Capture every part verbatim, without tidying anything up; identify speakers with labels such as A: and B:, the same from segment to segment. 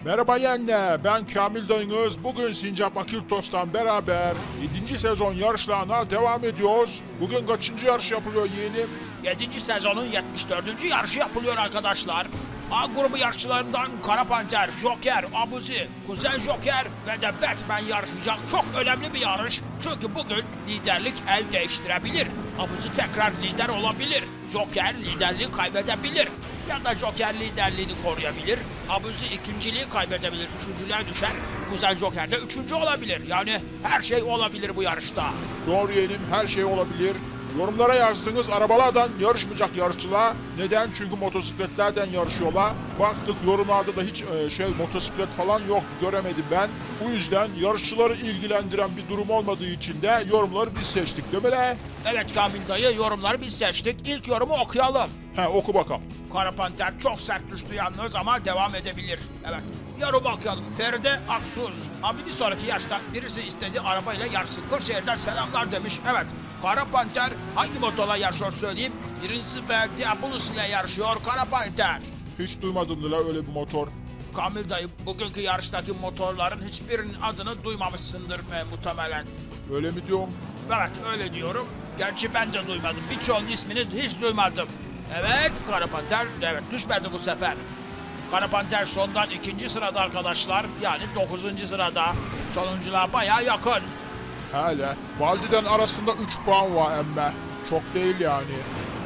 A: Merhaba yenge, ben Kamil dayınız. Bugün Sincap Akiltos'tan beraber yedinci sezon yarışlarına devam ediyoruz. Bugün kaçıncı yarış yapılıyor yeğenim?
B: yedinci sezonun yetmiş dördüncü yarışı yapılıyor arkadaşlar. A grubu yarışçılarından Kara Panter, Joker, Abuzi, Kuzen Joker ve de Batman yarışacak. Çok önemli bir yarış. Çünkü bugün liderlik el değiştirebilir. Abuzi tekrar lider olabilir. Joker liderliği kaybedebilir. Ya da Joker liderliğini koruyabilir. Abuzi ikinciliği kaybedebilir. Üçüncülüğe düşer. Kuzen Joker de üçüncü olabilir. Yani her şey olabilir bu yarışta.
A: Doğru yeğenim, her şey olabilir. Yorumlara yazdığınız arabalardan yarışmayacak yarışçılar. Neden? Çünkü motosikletlerden yarışıyorlar. Baktık yorumlarda da hiç e, şey motosiklet falan yoktu, göremedim ben. Bu yüzden yarışçıları ilgilendiren bir durum olmadığı için de yorumları biz seçtik değil mi le?
B: Evet Kamil dayı, yorumları biz seçtik. İlk yorumu okuyalım.
A: He, oku bakalım.
B: Kara Panter çok sert düştü yalnız ama devam edebilir. Evet. Yorum okuyalım. Feride Aksuz. Abi bir sonraki yaşta birisi istedi arabayla yarışsın. Kırşehir'den selamlar demiş. Evet. Kara Panter hangi motorla yarışıyor söyleyeyim. Birincisi ve Diabolus ile yarışıyor Kara Panter.
A: Hiç duymadım la öyle bir motor.
B: Kamil dayı, bugünkü yarıştaki motorların hiçbirinin adını duymamışsındır e, muhtemelen.
A: Öyle mi diyorum?
B: Evet öyle diyorum. Gerçi ben de duymadım. Birçoğunun ismini hiç duymadım. Evet Kara Panter evet düşmedi bu sefer. Kara Panter sondan ikinci sırada arkadaşlar. Yani dokuzuncu sırada. Sonunculuğa bayağı yakın.
A: Hele. Valdi'den arasında üç puan var emme. Çok değil yani.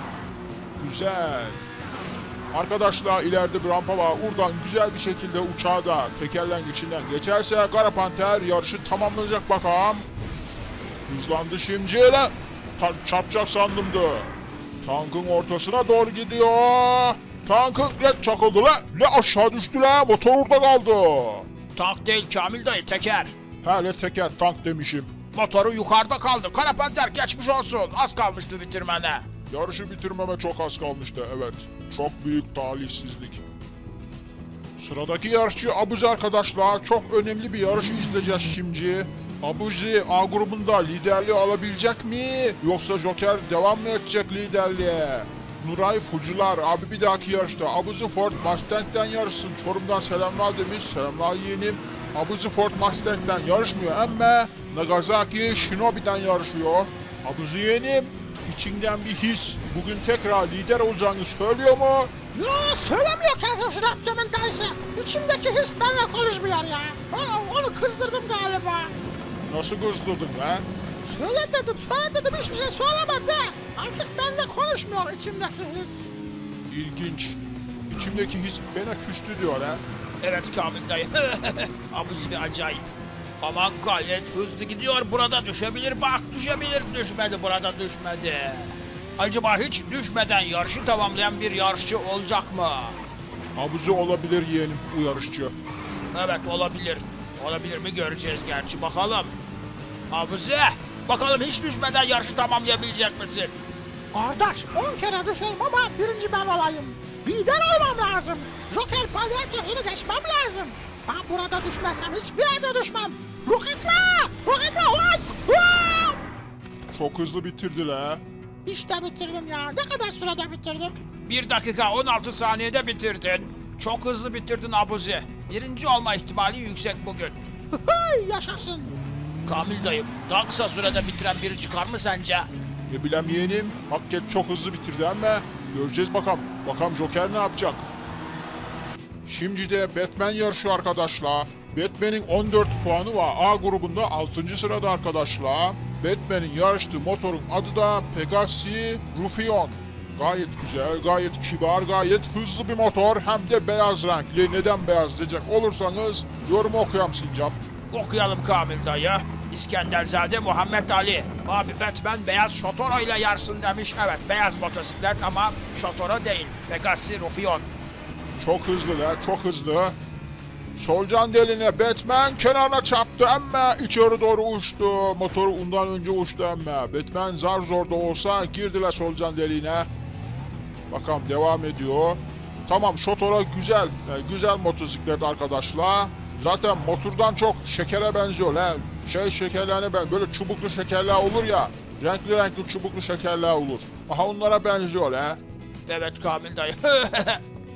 A: Güzel. Arkadaşlar ileride bir rampa var. Oradan güzel bir şekilde uçağı da tekerlengeçinden geçerse Kara Panter yarışı tamamlayacak bakalım. Hızlandı şimdi. La. Ta çarpacak sandımdı. Tankın ortasına doğru gidiyor. Tankın ne çakıldı la. Ne aşağı düştü la. Motor orada kaldı.
B: Tank değil Kamil dayı, teker.
A: Hele teker tank demişim.
B: Motoru yukarıda kaldı. Kara Panter geçmiş olsun. Az kalmıştı bitirmene.
A: Yarışı bitirmeme çok az kalmıştı, evet. Çok büyük talihsizlik. Sıradaki yarışçı Abuzi arkadaşlar. Çok önemli bir yarış izleyeceğiz şimdi. Abuzi A grubunda liderliği alabilecek mi? Yoksa Joker devam mı edecek liderliğe? Nuray Fucular abi bir dahaki yarışta Abuzi Ford Mustang'den yarışsın. Çorum'dan selamlar demiş. Selamlar yeğenim. Abuzi Ford Mustang'den yarışmıyor ama Nagasaki Shinobi'den yarışıyor. Abuzi yeğenim, İçinden bir his bugün tekrar lider olacağını söylüyor mu?
C: Ya söylemiyor kardeşin Abdümen dayısı. İçimdeki his benimle konuşmuyor ya. Onu, onu kızdırdım galiba.
A: Nasıl kızdırdın be?
C: Söyle dedim, söyle dedim hiçbir şey söylemedi. Artık benimle konuşmuyor içimdeki his.
A: İlginç. İçimdeki his bana küstü diyor ha.
B: Evet Kamil dayı. Abuzi bir acayip. Ama gayet hızlı gidiyor. Burada düşebilir. Bak düşebilir. Düşmedi. Burada düşmedi. Acaba hiç düşmeden yarışı tamamlayan bir yarışçı olacak mı?
A: Abuzi olabilir yeğenim bu yarışçı.
B: Evet olabilir. Olabilir mi göreceğiz gerçi. Bakalım. Abuzi. Bakalım hiç düşmeden yarışı tamamlayabilecek misin?
C: Kardeş on kere düşeyim ama birinci ben olayım. Lider olmam lazım. Joker palyaçosunu geçmem lazım. Ben burada düşmezsem hiçbir yerde düşmem. Roketle! Roketle! Oy! Oy!
A: Çok hızlı bitirdi la.
C: İşte bitirdim ya. Ne kadar sürede bitirdim?
B: bir dakika on altı saniyede bitirdin. Çok hızlı bitirdin Abuzi. Birinci olma ihtimali yüksek bugün.
C: Hıhıy yaşasın.
B: Kamil dayım, daha kısa sürede bitiren biri çıkar mı sence?
A: Ne bileyim yeğenim, hakikaten çok hızlı bitirdi ama göreceğiz bakalım. Bakalım Joker ne yapacak? Şimdi de Batman yarışı arkadaşlar. Batman'in on dört puanı var. A grubunda altıncı sırada arkadaşlar. Batman'in yarıştığı motorun adı da Pegasi Ruffion. Gayet güzel, gayet kibar, gayet hızlı bir motor. Hem de beyaz renkli. Neden beyaz diyecek olursanız yorumu okuyam Sincap.
B: Okuyalım Kamil dayı. İskenderzade Muhammed Ali. Abi Batman beyaz Şotoro ile yarsın demiş. Evet beyaz motosiklet ama Şotoro değil. Pegasi Ruffion.
A: Çok hızlı la, çok hızlı. Solcan deline Batman kenarına çarptı ama içeri doğru uçtu. Motoru ondan önce uçtu ama. Batman zar zor da olsa girdiler Solcan deliğine. Bakalım devam ediyor. Tamam Şotora güzel, e, güzel motosiklet arkadaşlar. Zaten motordan çok şekere benziyor la. Şey şekerlerine ben böyle çubuklu şekerler olur ya. Renkli renkli çubuklu şekerler olur. Aha onlara benziyor la.
B: Evet Kamil dayı.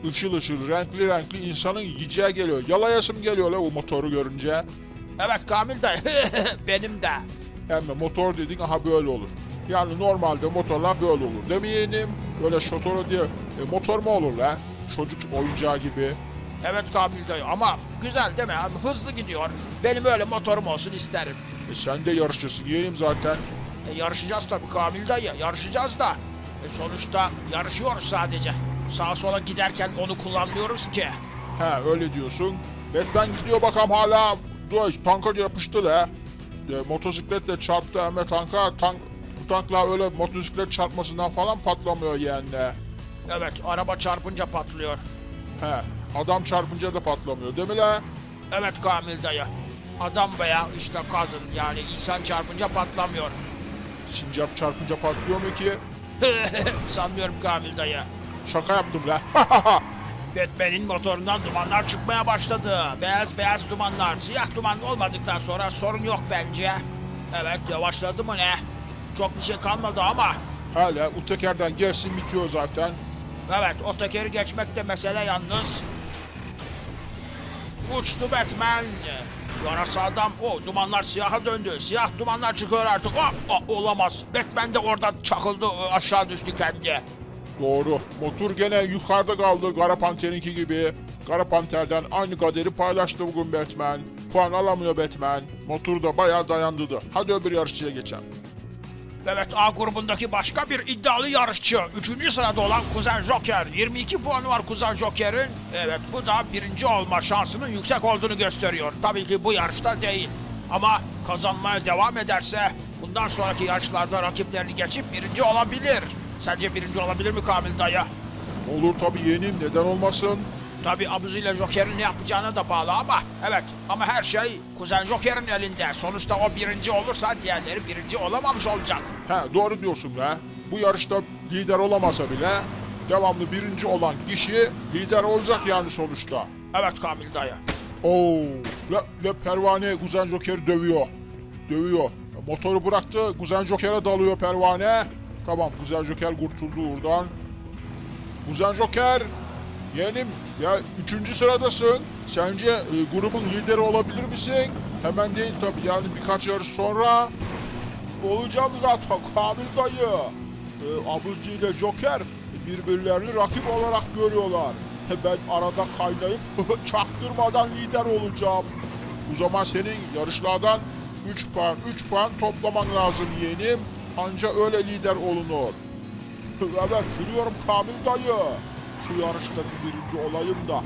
A: ışıl ışıl, renkli renkli insanın yiyeceği geliyor. Yalayasım geliyor la o motoru görünce.
B: Evet Kamil dayı. Benim de.
A: Hem de motor dediğin aha böyle olur. Yani normalde motorlar böyle olur. Değil mi yeğenim? Böyle şotoru diye e, motor mu olur la? Çocuk oyuncağı gibi.
B: Evet Kamil dayı ama güzel değil mi? Abi, hızlı gidiyor. Benim öyle motorum olsun isterim.
A: E sen de yarışçısın yeğenim zaten.
B: E, yarışacağız tabii Kamil dayı. Yarışacağız da. E, sonuçta yarışıyoruz sadece. Sağa sola giderken onu kullanmıyoruz ki.
A: He öyle diyorsun. Batman gidiyor bakalım hala. Dur tanka yapıştı la. E, motosikletle çarptı hem de tanka. Tank, bu tankla öyle motosiklet çarpmasından falan patlamıyor yeğenle.
B: Evet araba çarpınca patlıyor.
A: He adam çarpınca da patlamıyor değil mi la?
B: Evet Kamil dayı. Adam veya işte kadın yani insan çarpınca patlamıyor.
A: Sincap çarpınca patlıyor mu ki?
B: Sanmıyorum Kamil dayı.
A: Şaka yaptım la.
B: Batman'in motorundan dumanlar çıkmaya başladı. Beyaz beyaz dumanlar. Siyah duman olmadıktan sonra sorun yok bence. Evet yavaşladı mı ne? Çok bir şey kalmadı ama.
A: Hala o tekerden gelsin bitiyor zaten.
B: Evet o tekeri geçmek de mesele yalnız. Uçtu Batman. Yarasa adam. O dumanlar siyaha döndü. Siyah dumanlar çıkıyor artık. Oh, oh, olamaz. Batman de oradan çakıldı. Aşağı düştü kendi.
A: Doğru. Motor gene yukarıda kaldı Kara Panter'inki gibi. Kara Panter'den aynı kaderi paylaştı bugün Batman. Puan alamıyor Batman. Motor da bayağı dayandırdı. Hadi öbür yarışçıya geçelim.
B: Evet A grubundaki başka bir iddialı yarışçı. Üçüncü sırada olan Kuzen Joker. yirmi iki puanı var Kuzen Joker'in. Evet bu da birinci olma şansının yüksek olduğunu gösteriyor. Tabii ki bu yarışta değil. Ama kazanmaya devam ederse bundan sonraki yarışlarda rakiplerini geçip birinci olabilir. Sence birinci olabilir mi Kamil dayı?
A: Olur tabii yeğenim neden olmasın.
B: Tabii Abuzi ile Joker'in ne yapacağına da bağlı ama evet ama her şey Kuzen Joker'in elinde. Sonuçta o birinci olursa diğerleri birinci olamamış olacak.
A: He doğru diyorsun la. Bu yarışta lider olamasa bile devamlı birinci olan kişi lider olacak yani sonuçta.
B: Evet Kamil dayı.
A: Oo, ve, ve pervane Kuzen Joker'i dövüyor. Dövüyor. Motoru bıraktı. Kuzen Joker'e dalıyor pervane. Tamam Kuzen Joker kurtuldu oradan. Kuzen Joker. Yeğenim ya üçüncü sıradasın. Sence e, grubun lideri olabilir misin? Hemen değil tabii yani birkaç yarış sonra. Olacağım zaten Kamil dayı. E, Abuzcu ile Joker birbirlerini rakip olarak görüyorlar. Ben arada kaynayıp çaktırmadan lider olacağım. O zaman senin yarışlardan üç puan, üç puan toplaman lazım yeğenim. Anca öyle lider olunur. Evet biliyorum Kamil dayı. Şu yarışta bir birinci olayım da.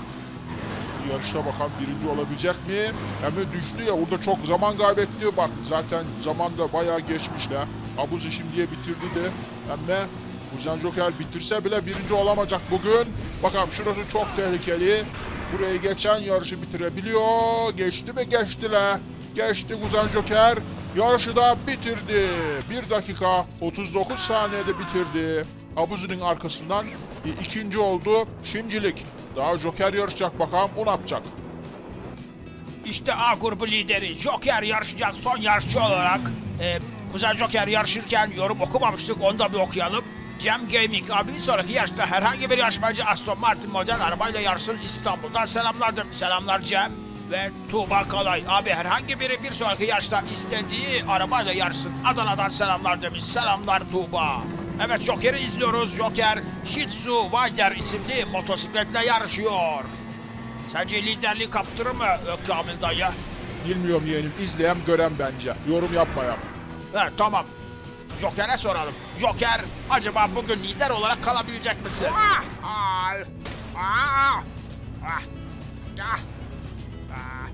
A: Bu yarışta bakalım birinci olabilecek mi? Hem de düştü ya orada çok zaman kaybetti. Bak zaten zaman da bayağı geçmişler. Abuzi şimdiye bitirdi de. Hem de Kuzen Joker bitirse bile birinci olamayacak bugün. Bakalım şurası çok tehlikeli. Burayı geçen yarışı bitirebiliyor. Geçti mi geçtiler. Geçti Kuzen Joker. Yarışı da bitirdi. bir dakika otuz dokuz saniyede bitirdi. Abuzi'nin arkasından ikinci oldu. Şimdilik daha Joker yarışacak bakalım o ne yapacak.
B: İşte A grubu lideri Joker yarışacak son yarışçı olarak. Ee, Kuzen Joker yarışırken yorum okumamıştık onu da bir okuyalım. Cem Gaming abi bir sonraki yarışta herhangi bir yarışmacı Aston Martin model arabayla yarışsın İstanbul'dan selamlar demiş. Selamlar Cem ve Tuğba Kalay. Abi herhangi biri bir sonraki yarışta istediği arabayla yarışsın. Adana'dan selamlar demiş. Selamlar Tuğba. Evet Joker'i izliyoruz. Joker Shih Tzu Wider isimli motosikletle yarışıyor. Sence liderliği kaptırır mı Kamil dayı?
A: Bilmiyorum yeğenim izleyen gören bence. Yorum yapmayalım.
B: Evet tamam. Joker'e soralım. Joker acaba bugün lider olarak kalabilecek misin? Ah! Ay! Ah! Ah! Ah! Ah!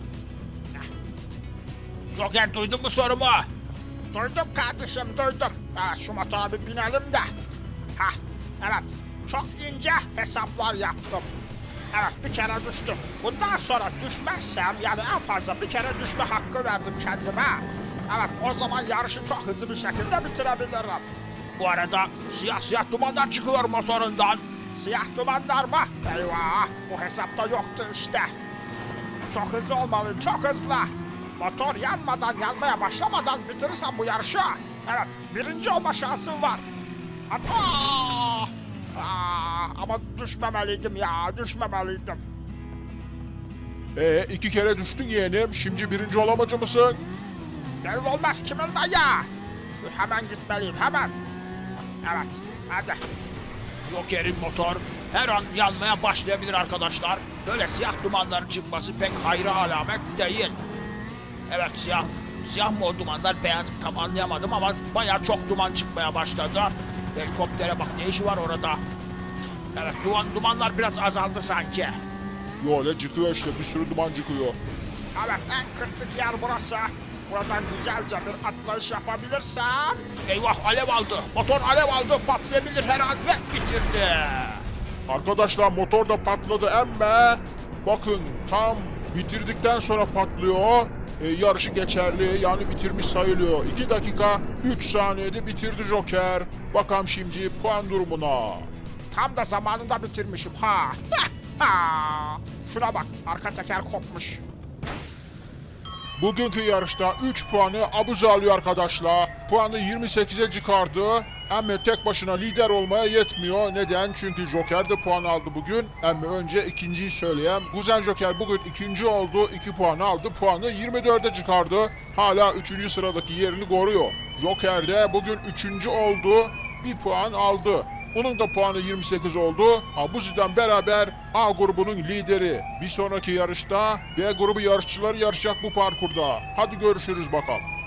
B: Joker duydun mu sorumu? Duydum kardeşim duydum. Evet, şu motora bir binelim de. Hah evet çok ince hesaplar yaptım. Evet bir kere düştüm. Bundan sonra düşmezsem yani en fazla bir kere düşme hakkı verdim kendime. Evet o zaman yarışı çok hızlı bir şekilde bitirebilirim. Bu arada siyah siyah dumanlar çıkıyor motorundan. Siyah dumanlar mı? Eyvah bu hesapta yoktu işte. Çok hızlı olmalıyım çok hızlı. Motor yanmadan yanmaya başlamadan bitirirsem bu yarışı. Evet birinci olma şansım var. Hatta... Aa, ama düşmemeliydim ya, düşmemeliydim.
A: Ee iki kere düştün yeğenim. Şimdi birinci olamacı mısın?
B: Belli olmaz Kimil dayı. Hemen gitmeliyim, hemen. Evet, hadi. Joker'in motor her an yanmaya başlayabilir arkadaşlar. Böyle siyah dumanların çıkması pek hayra alamet değil. Evet, siyah siyah mı o dumanlar, beyaz mı tam anlayamadım ama bayağı çok duman çıkmaya başladı. Helikoptere bak, ne işi var orada? Evet, duman, dumanlar biraz azaldı sanki.
A: Yo öyle çıkıyor işte, bir sürü duman çıkıyor.
B: Evet, en kritik yer burası. Buradan güzelce bir atlayış yapabilirsem... Eyvah, alev aldı. Motor alev aldı. Patlayabilir her an ve bitirdi.
A: Arkadaşlar motor da patladı ama bakın tam bitirdikten sonra patlıyor. E, yarışı geçerli, yani bitirmiş sayılıyor. iki dakika üç saniyede bitirdi Joker. Bakalım şimdi puan durumuna.
B: Tam da zamanında bitirmişim ha. Ha! Şuna bak, arka teker kopmuş.
A: Bugünkü yarışta üç puanı Abuzi alıyor arkadaşlar. Puanı yirmi sekize çıkardı. Ama tek başına lider olmaya yetmiyor. Neden? Çünkü Joker de puan aldı bugün. Ama önce ikinciyi söyleyeyim. Kuzen Joker bugün ikinci oldu. iki puan aldı. Puanı yirmi dörde çıkardı. Hala üçüncü sıradaki yerini koruyor. Joker de bugün üçüncü oldu. bir puan aldı. Onun da puanı yirmi sekiz oldu. Abuzi'den beraber A grubunun lideri. Bir sonraki yarışta B grubu yarışçıları yarışacak bu parkurda. Hadi görüşürüz bakalım.